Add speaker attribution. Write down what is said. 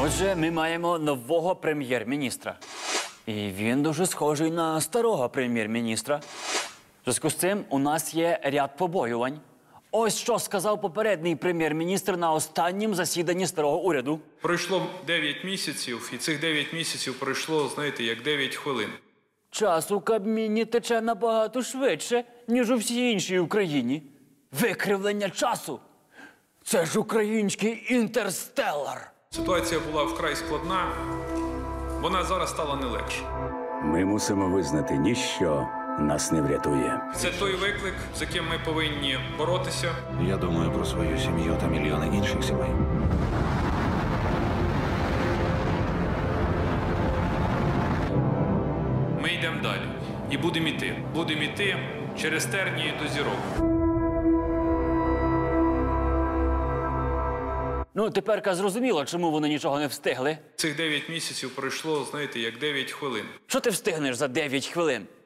Speaker 1: Отже, ми маємо нового прем'єр-міністра. І він дуже схожий на старого прем'єр-міністра. В зв'язку з цим у нас є ряд побоювань. Ось що сказав попередній прем'єр-міністр на останнім засіданні старого уряду.
Speaker 2: Пройшло 9 місяців, і цих 9 місяців пройшло, знаєте, як 9 хвилин.
Speaker 1: Час у Кабміні тече набагато швидше, ніж у всій іншій Україні. Викривлення часу – це ж український інтерстеллар.
Speaker 2: Ситуація була вкрай складна, вона зараз стала не легше.
Speaker 3: Ми мусимо визнати, ніщо нас не врятує.
Speaker 2: Це той виклик, з яким ми повинні боротися.
Speaker 4: Я думаю про свою сім'ю та мільйони інших сімей.
Speaker 2: Ми йдемо далі. І будемо йти. Будемо йти через тернії до зірок.
Speaker 1: Ну, теперка зрозуміло, чому вони нічого не встигли.
Speaker 2: Цих 9 місяців пройшло, знаєте, як 9 хвилин.
Speaker 1: Що ти встигнеш за 9 хвилин?